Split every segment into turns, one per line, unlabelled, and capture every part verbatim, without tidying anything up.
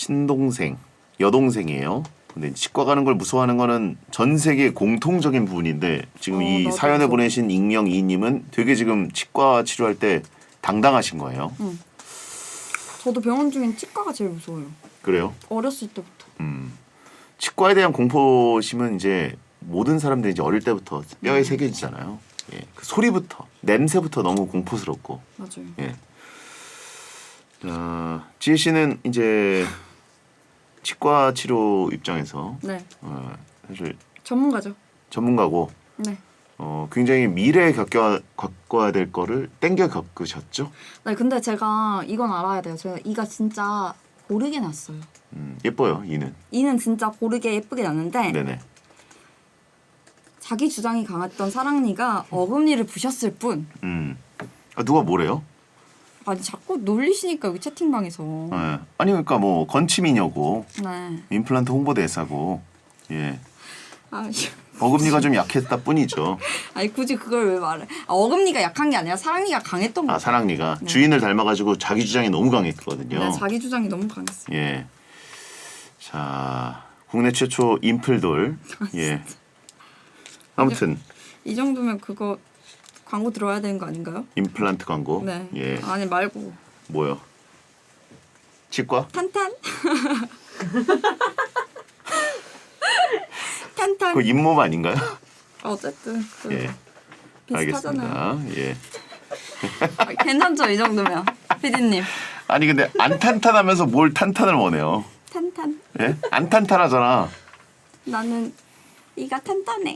친동생, 여동생이에요. 근데 치과 가는 걸 무서워하는 거는 전 세계 공통적인 부분인데 지금
어,
이
나도
사연을
무서워.
보내신 익명 이님은 되게 지금 치과 치료할 때 당당하신 거예요.
응. 저도 병원 중엔 치과가 제일 무서워요.
그래요?
어렸을 때부터.
음. 치과에 대한 공포심은 이제 모든 사람들이 이제 어릴 때부터 뼈에 새겨지잖아요. 예. 그 소리부터 냄새부터 너무 공포스럽고.
맞아요.
예. 자, 지혜 씨는 이제 치과 치료 입장에서
네.
어, 사실
전문가죠.
전문가고
네.
어, 굉장히 미래에 겪어, 겪어야 될 거를 땡겨 겪으셨죠?
네, 근데 제가 이건 알아야 돼요. 제가 이가 진짜 고르게 났어요.
음, 예뻐요, 이는.
이는 진짜 고르게 예쁘게 났는데
네네.
자기 주장이 강했던 사랑니가 어금니를 부셨을 뿐.
음. 아, 누가 뭐래요?
아니 자꾸 놀리시니까 여기 채팅방에서.
예. 아니 그러니까 뭐 건치미녀고
네.
임플란트 홍보대사고 예.
아,
어금니가 좀 약했다 뿐이죠.
아니 굳이 그걸 왜 말해? 아, 어금니가 약한 게 아니라 사랑니가 강했던 거예요.
아 사랑니가
네.
주인을 닮아가지고 자기 주장이 너무 강했거든요.
네, 자기 주장이 너무 강했어요.
예. 자 국내 최초 임플돌. 예. 아무튼
이 정도면 그거 광고 들어야 되는 거 아닌가요?
임플란트 광고.
네.
예.
아니 말고
뭐요? 치과?
탄탄. 탄탄.
그 잇몸 아닌가요?
어쨌든 그
예.
비슷하잖아요.
알겠습니다. 예.
아, 괜찮죠 이 정도면 피디님.
아니 근데 안 탄탄하면서 뭘 탄탄을 원해요?
탄탄.
예? 안 탄탄하잖아.
나는 이가 탄탄해.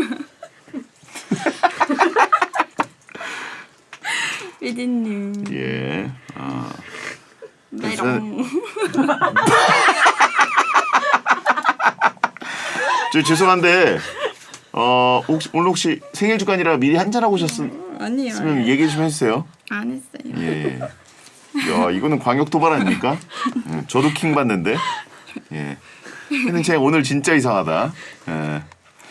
피디님.
예. 아.
메롱.
저 죄송한데 어 혹시 오늘 혹시 생일 주간이라 미리 한잔 하고 오셨으면
아니요.
얘기 좀 해주세요.
안 했어요.
예. 야 이거는 광역 도발 아닙니까? 예, 저도 킹 받는데. 예. 근데 제가 오늘 진짜 이상하다. 예.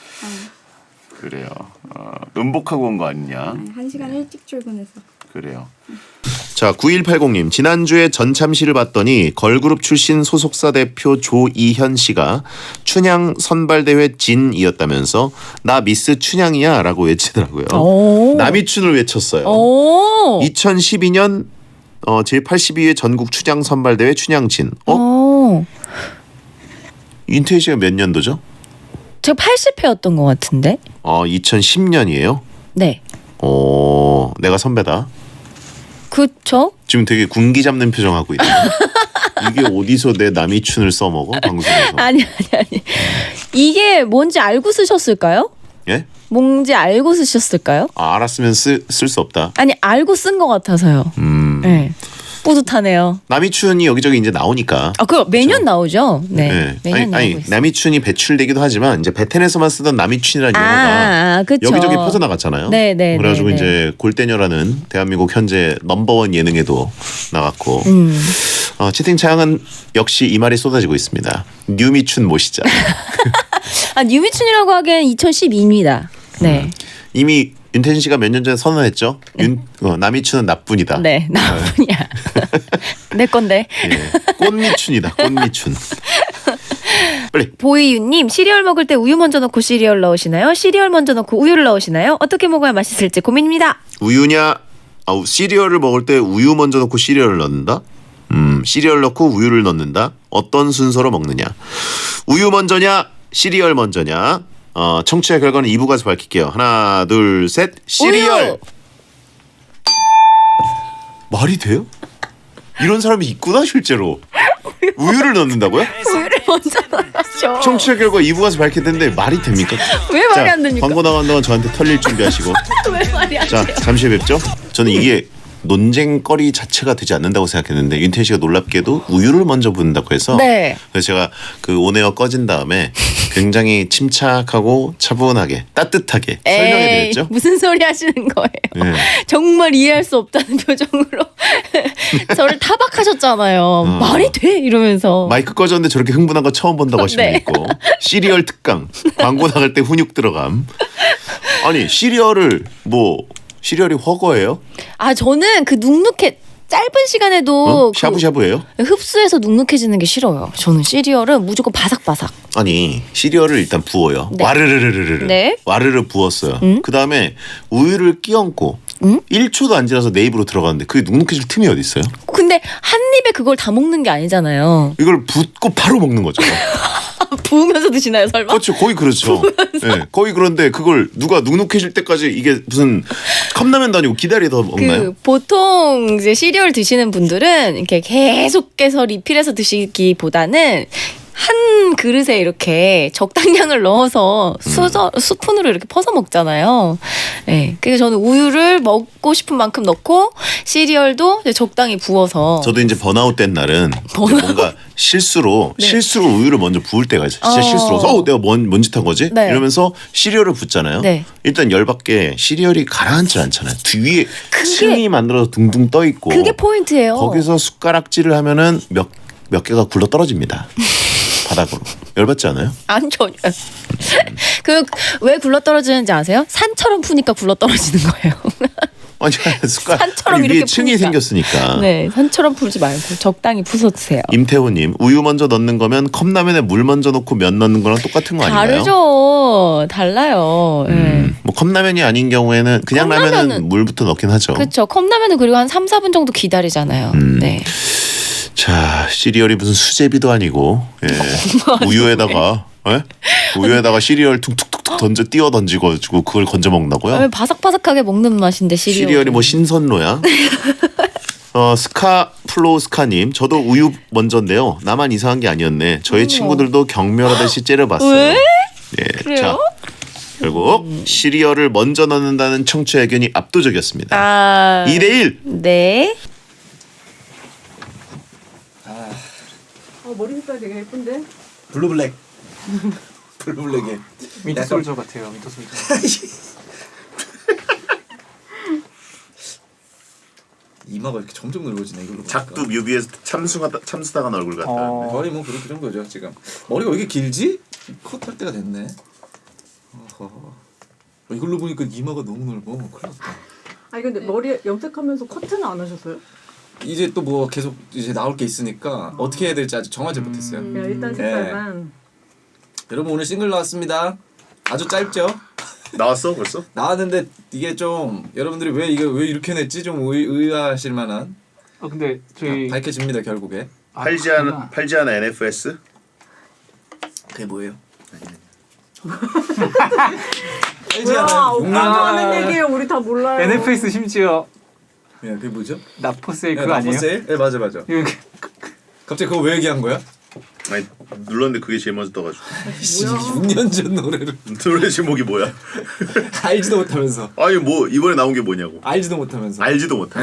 그래요. 어, 음복하고 온 거 아니냐?
한 시간 일찍 출근해서.
그래요. 자, 구일팔공님 지난주에 전참시를 봤더니 걸그룹 출신 소속사 대표 조이현 씨가 춘향 선발대회 진이었다면서 나 미스 춘향이야 라고 외치더라고요.
오.
남이춘을 외쳤어요.
오.
이천십이 년 어, 제팔십이 회 전국 춘향 선발대회 춘향진. 어?
오.
윤태희 씨가 몇 년도죠?
제가 팔십 회였던 것 같은데.
어, 이천십 년이에요.
네.
오, 내가 선배다.
그쵸?
지금 되게 군기 잡는 표정하고 있네. 이게 어디서 내 남이춘을 써먹어 방송에서?
아니 아니 아니. 이게 뭔지 알고 쓰셨을까요?
예?
뭔지 알고 쓰셨을까요?
아, 알았으면 쓸 수 없다.
아니 알고 쓴 것 같아서요.
음.
네. 뿌듯하네요.
남이춘이 여기저기 이제 나오니까.
아, 그거 매년
그렇죠.
나오죠. 네.
네.
매년
아니,
나오고
아니
있어요.
남이춘이 배출되기도 하지만 이제 베텐에서만 쓰던 남이춘이라는
아,
용어가
아, 아, 그쵸.
여기저기 퍼져나갔잖아요.
네, 네,
그래가지고
네, 네.
이제 골대녀라는 대한민국 현재 넘버원 예능에도 나갔고
음.
어, 채팅창은 역시 이 말이 쏟아지고 있습니다. 뉴미춘 모시자.
아, 뉴미춘이라고 하기엔 이천십이입니다. 네.
음. 이미 윤태진 씨가 몇 년 전에 선언했죠. 윤, 어, 남이춘은 나뿐이다.
네. 나뿐이야. 내 건데.
예. 꽃미춘이다. 꽃미춘. 빨리.
보이유님 시리얼 먹을 때 우유 먼저 넣고 시리얼 넣으시나요? 시리얼 먼저 넣고 우유를 넣으시나요? 어떻게 먹어야 맛있을지 고민입니다.
우유냐? 아, 시리얼을 먹을 때 우유 먼저 넣고 시리얼을 넣는다? 음, 시리얼 넣고 우유를 넣는다? 어떤 순서로 먹느냐? 우유 먼저냐? 시리얼 먼저냐? 어, 청취자 결과는 이 부 가서 밝힐게요. 하나, 둘, 셋. 시리얼.
우유!
말이 돼요? 이런 사람이 있구나 실제로. 우유를 넣는다고요?
우유를 먼저 넣으셔.
청취자 결과 이 부 가서 밝힐텐데 말이 됩니까?
왜 말이
자,
안 됩니까?
광고 나간 동안 저한테 털릴 준비하시고.
왜 말이 안
자,
돼요?
잠시 후에 뵙죠. 저는 이게 논쟁거리 자체가 되지 않는다고 생각했는데 윤태희 씨가 놀랍게도 우유를 먼저 붓는다고 해서
네.
그래서 제가 그 온에어 꺼진 다음에 굉장히 침착하고 차분하게 따뜻하게 설명해
에이,
드렸죠.
무슨 소리 하시는 거예요?
네.
정말 이해할 수 없다는 표정으로 저를 타박하셨잖아요. 말이 돼? 이러면서.
마이크 꺼졌는데 저렇게 흥분한 거 처음 본다고 하시면
네.
있고 시리얼 특강 광고 나갈 때 훈육 들어감. 아니 시리얼을 뭐 시리얼이 허거예요?
아, 저는 그 눅눅해 짧은 시간에도
어?
그
샤브샤브예요?
흡수해서 눅눅해지는 게 싫어요. 저는 시리얼은 무조건 바삭바삭.
아니 시리얼을 일단 부어요.
네.
와르르르르르.
네.
와르르 부었어요.
음?
그 다음에 우유를 끼얹고
음?
일 초도 안 지나서 내 입으로 들어가는데 그게 눅눅해질 틈이 어디 있어요?
근데 한 입에 그걸 다 먹는 게 아니잖아요.
이걸 붓고 바로 먹는 거죠.
부으면서 드시나요, 설마?
그렇죠. 거의 그렇죠. 네, 거의 그런데 그걸 누가 눅눅해질 때까지 이게 무슨 컵라면도 아니고 기다리다 먹나요?
그 보통 이제 시리얼 드시는 분들은 이렇게 계속해서 리필해서 드시기보다는 한 그릇에 이렇게 적당량을 넣어서 수저, 스푼으로 이렇게 퍼서 먹잖아요. 네. 그래서 저는 우유를 먹고 싶은 만큼 넣고 시리얼도 이제 적당히 부어서.
저도 이제 번아웃 된 날은
번아웃?
뭔가 실수로
네.
실수로 우유를 먼저 부을 때가 있어요. 진짜
어.
실수로. 어, 내가 뭔, 뭔 짓 한 거지?
네.
이러면서 시리얼을 붓잖아요.
네.
일단 열받게 시리얼이 가라앉지 않잖아요. 뒤에
그게-
층이 만들어서 둥둥 떠 있고.
그게 포인트예요.
거기서 숟가락질을 하면은 몇, 몇 개가 굴러 떨어집니다. 바닥으로. 열받지 않아요?
아니 전혀. 그 왜 굴러 떨어지는지 아세요? 산처럼 푸니까 굴러 떨어지는 거예요.
아니 숟가락
산처럼
위에
이렇게
층이
푸니까.
생겼으니까.
네, 산처럼 풀지 말고 적당히 부서 드세요.
임태호님 우유 먼저 넣는 거면 컵라면에 물 먼저 넣고 면 넣는 거랑 똑같은 거 아닌가요?
다르죠. 달라요. 네.
음, 뭐 컵라면이 아닌 경우에는 그냥 라면은
컵라면은-
물부터 넣긴 하죠.
그렇죠. 컵라면은 그리고 한 삼, 사 분 정도 기다리잖아요.
음.
네.
자 시리얼이 무슨 수제비도 아니고 예. 우유에다가 예? 우유에다가 시리얼 툭툭툭툭 던져 띄워 던지고 가지고 그걸 건져 먹는다고요?
왜 바삭바삭하게 먹는 맛인데 시리얼.
시리얼이 뭐 신선로야? 어 스카 플로스카님 저도 우유 먼저인데요. 나만 이상한 게 아니었네. 저희 친구들도 경멸하듯이 째려봤어요.
왜?
예,
그래요?
자 결국 시리얼을 먼저 넣는다는 청취 의견이 압도적이었습니다.
아.
이 대 일.
네.
어, 머리 색깔 되게 예쁜데?
블루블랙. 블루블랙에
윈터 솔저 같아요. 윈터 솔저.
이마가 이렇게 점점 넓어지네 이걸로 보니까.
작두 뮤비에서 참수하다 참수당한 얼굴 같다.
어.
거의 뭐 그런 그런 거죠 지금. 머리가 왜 이렇게 길지? 컷할 때가 됐네. 어허. 어, 이걸로 보니까 이마가 너무 넓어. 큰일 났다.
아니 근데 머리 염색하면서 커트는 안 하셨어요?
이제 또 뭐 계속 이제 나올 게 있으니까 어떻게 해야 될지 아직 정하지 못했어요.
그냥 일단 색깔만.
여러분 오늘 싱글 나왔습니다. 아주 짧죠?
나왔어 벌써?
나왔는데 이게 좀 여러분들이 왜 이거 왜 이렇게 냈지 좀 의, 의아하실 만한
어 근데 저희
밝혀집니다 결국에.
아,
팔지
그렇구나.
않은 팔지 않은 엔에프에스?
그게 뭐예요?
뭐야 오빠가
아.
하는 얘기예요. 우리 다 몰라요.
엔에프에스 심지어
예, 그게 뭐죠?
나포세일
예,
그거 아니에요?
나포세일? 예, 맞아 맞아.
이거
갑자기 그거 왜 얘기한 거야?
아니 눌렀는데 그게 제일 먼저 떠가지고.
육 년 전 노래를
노래 제목이 뭐야?
알지도 못하면서
아니 뭐 이번에 나온 게 뭐냐고.
알지도 못하면서
알지도 못해.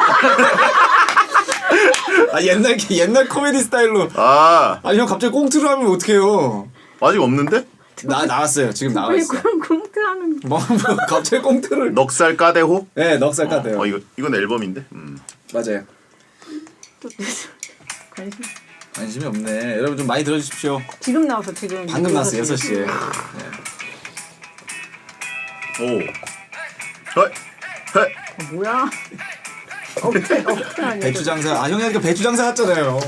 아 옛날 옛날 코미디 스타일로
아
아니 형 갑자기 꽁트를 하면 어떡해요.
아직 없는데?
나 나왔어요 지금 나와
왜
있어.
그런 꽁트 하는
뭐, 뭐 갑자기 꽁트를
넉살 까대호?
네 넉살 같아요.
어 이거 이건 앨범인데. 음.
맞아요.
또 관심.
관심이 없네. 여러분 좀 많이 들어주십시오.
지금 나와서 지금.
방금 나왔어 여섯 시에.
오. 헐. 헐.
어, 뭐야? 어깨 어깨 아니야.
배추 장사 아 형이 하니까 배추 장사 했잖아요.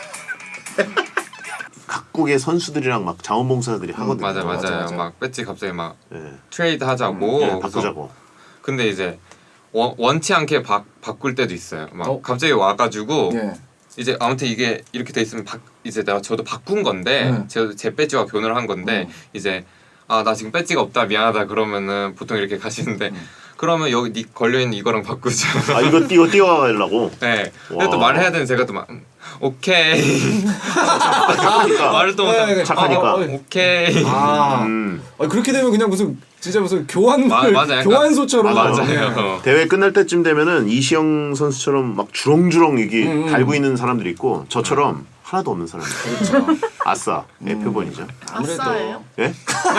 각국의 선수들이랑 막 자원봉사자들이 하거든요.
맞아 맞아요.
맞아, 맞아.
막 배지 갑자기 막
예.
트레이드 하자고.
예,
그래서
바꾸자고.
근데 이제 원, 원치 않게 바, 바꿀 때도 있어요. 막
어?
갑자기 와가지고
예.
이제 아무튼 이게 이렇게 돼 있으면 바, 이제 내가 저도 바꾼 건데
음.
제, 제 배지와 교환을 한 건데
음.
이제 아 나 지금 배지가 없다 미안하다 그러면은 보통 이렇게 가시는데 그러면 여기 니 걸려 있는 이거랑 바꾸자.
아 이거 띄워 띄워가려고.
네. 근데
와.
또 말을 해야 되는 제가 또 막 음, 오케이
착하니까.
말을 또
네,
못하고
네,
착하니까.
아, 어,
오케이.
아,
음.
아 그렇게 되면 그냥 무슨 진짜 무슨 교환
마- 맞아, 약간-
교환소처럼
아,
네.
맞아요.
대회 끝날 때쯤 되면은 이시영 선수처럼 막 주렁주렁 이게
음, 음.
달고 있는 사람들이 있고 저처럼 하나도 없는 사람들.
그렇죠.
아싸 에프본이죠.
아무래도
아싸예요?
예?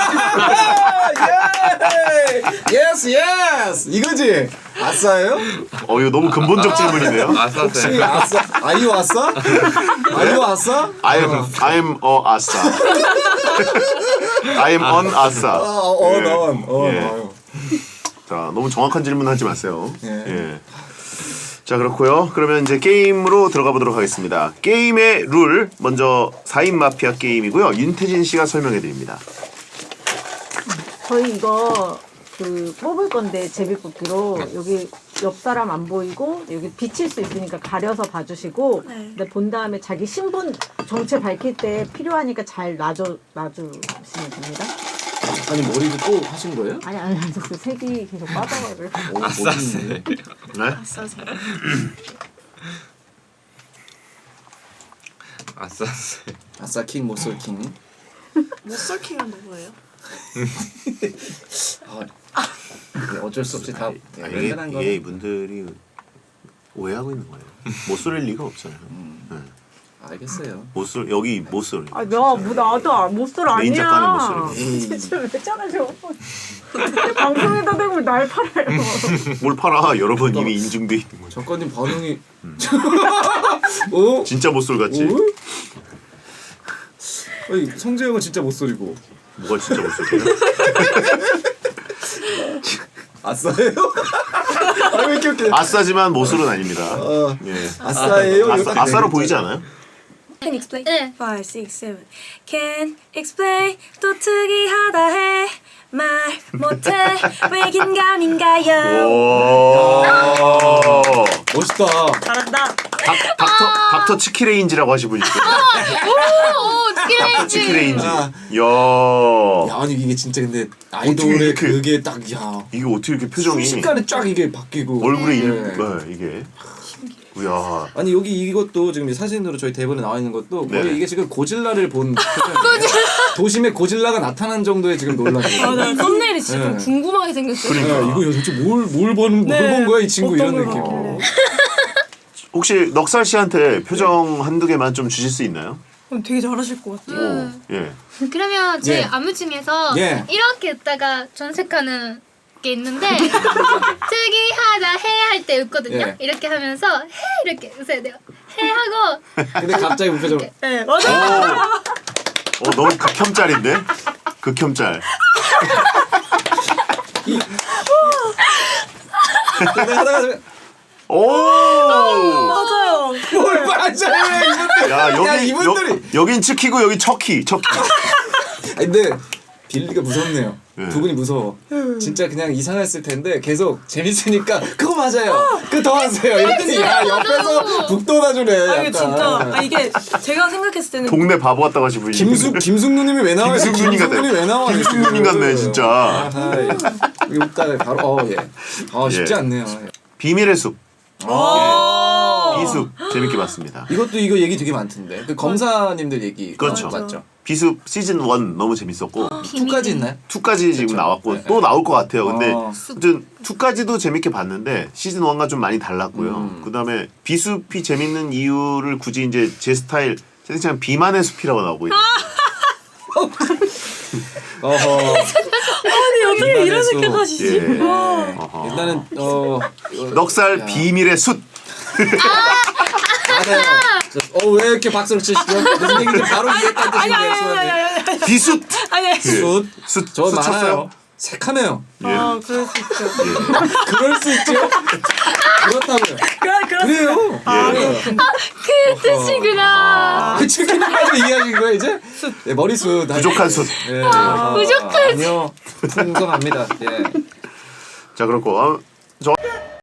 예스 예스 이거지 아싸예요?
어 이거 너무 근본적 질문이네요.
혹시
아싸세.
아싸 아이유 아싸? 아이유 아싸?
I'm I'm a 아싸. I'm on 아싸.
어어넌
예.
어.
자 너무 정확한 질문하지 마세요.
예.
예. 자 그렇고요. 그러면 이제 게임으로 들어가 보도록 하겠습니다. 게임의 룰 먼저 사 인 마피아 게임이고요. 윤태진 씨가 설명해 드립니다.
저희 이거 그 뽑을 건데 제비뽑기로 여기 옆 사람 안 보이고 여기 비칠 수 있으니까 가려서 봐주시고 근데 본 다음에 자기 신분 정체 밝힐 때 필요하니까 잘 놔줘 놔주시면 됩니다.
아니 머리도 또 하신 거예요?
아니 아니 아니 그 색이 계속 빠져가지고.
오,
아싸세.
네?
아싸세.
아싸 킹 못쏠 킹.
못설킹은 누구예요?
아, 네, 어쩔 수 없이 다
아,
네,
이게,
랜덤한
이게
거는
이분들이 오해하고 있는 거예요. 못 쏠 리가 없잖아요. 네.
알겠어요.
못 쏠, 여기 못 쏠.
아, 나, 뭐, 나도 못쏠
메인 작가는 못
아니야.
쏠.
진짜 왜 저러죠? 방송에다 대고 날 팔아요.
뭘 팔아? 여러 번 이미 인증돼 있는 거죠.
작가님 반응이 오?
진짜 못 쏠 같지?
오? 아니 성재형은 진짜 못소리고
뭐가 진짜 못 쏠게요?
아싸예요? 아왜 이렇게 웃겨?
아싸지만 못 쏠은 아닙니다.
아,
예.
아싸예요?
아싸, 아싸로 보이지 않아요?
Can explain?
네.
five, six, seven. Can explain 또 특이하다 해. 말 못해 왜 긴가민가요?
오.
멋있다.
잘한다.
닥, 닥터 닥터 치키레인지라고 하신 분 있어요.
오,
닥터
치키레인지.
치키레인지.
아.
야.
야 아니 이게 진짜 근데 아이돌의
이렇게-
그게 딱야
이게 어떻게 이렇게 표정이
순식간에 쫙 이게 바뀌고
얼굴에 이,
네.
네, 이게. 야.
아니 여기 이것도 지금 이 사진으로 저희 대본에 나와 있는 것도 거의
네.
이게 지금 고질라를 본 표정이에요. 도심에 고질라가 나타난 정도의 지금 논란이에요.
아, 나 썸네일이 진짜 좀
네.
궁금하게 생겼어요.
그러니까.
야, 이거 도대체 뭘뭘본
네.
뭘 본 거야 이 친구
어떤
이런
걸
느낌.
봤길래.
혹시 넉살 씨한테 표정 한두 개만 좀 주실 수 있나요?
그럼 되게 잘하실 것 같아요.
오. 예.
그러면 제
예.
안무 중에서
예.
이렇게 웃다가 전색하는 게 있는데 특이하다 해 할 때 웃거든요.
예.
이렇게 하면서 해 이렇게 웃어야 돼요. 해 하고
근데 갑자기 무표정.
네, 맞아요.
오. 어 너무 극혐짤인데? 극혐짤.
근데 하다가
오.
맞아요.
뭘 맞아요 이분들.
야 여기
야, 이분들이.
여, 여긴 치키고 여기 척키 척키.
아니, 근데 빌리가 무섭네요.
네.
두 분이 무서워. 진짜 그냥 이상했을 텐데 계속 재밌으니까 그거 맞아요. 그 더 하세요. 이랬더니 야 옆에서 북 돋아주네.
아, 이게
약간.
진짜 아, 이게 제가 생각했을 때는
동네 바보 같다고 하신 분이.
김숙 김숙누님이 왜 나와요?
김숙누님 같아.
김숙누님 왜 나와?
김숙누님 같네, 진짜.
아하이. 이거 웃다가 바로 어 예. 아 쉽지
예.
않네요.
비밀의 숲.
아.
비숲 재밌게 봤습니다.
이것도 이거 얘기 되게 많던데. 그 검사님들 얘기.
그렇죠.
맞죠.
비숲 시즌 일 너무 재밌었고
이까지 있나요?
이까지 지금
그렇죠.
나왔고
네,
또 나올 것 같아요. 근데
어.
아무튼 이까지도 재밌게 봤는데 시즌 일과 좀 많이 달랐고요.
음.
그다음에 비숲이 재밌는 이유를 굳이 이제 제 스타일 채팅창 비만의 숲이라고 나오고 있어요.
어허.
아니 어떻게 이런
수.
생각하시지?
예.
네.
어허.
일단은 어
넉살
야.
비밀의 숲.
맞아요. 어왜 이렇게 박수를 치시죠? 무슨 얘기인지 바로 이해했다는
아니 아니
뜻인데요.
아니 아니 아니 아니
비숲.
아니 아니.
숯.
숯.
저
숯 쳤어요?
많아요. 색하네요.
예.
아 그럴 수 있죠.
그럴 수 있죠. 그렇다고요.
그래 그렇
그래요.
아,
예.
그 뜻이구나.
그 치킨까지 이해하신 거예요 이제? 네, 머리숱.
부족한 숯.
예.
부족한
아니요. 풍성합니다. 예.
자 그렇고 어, 저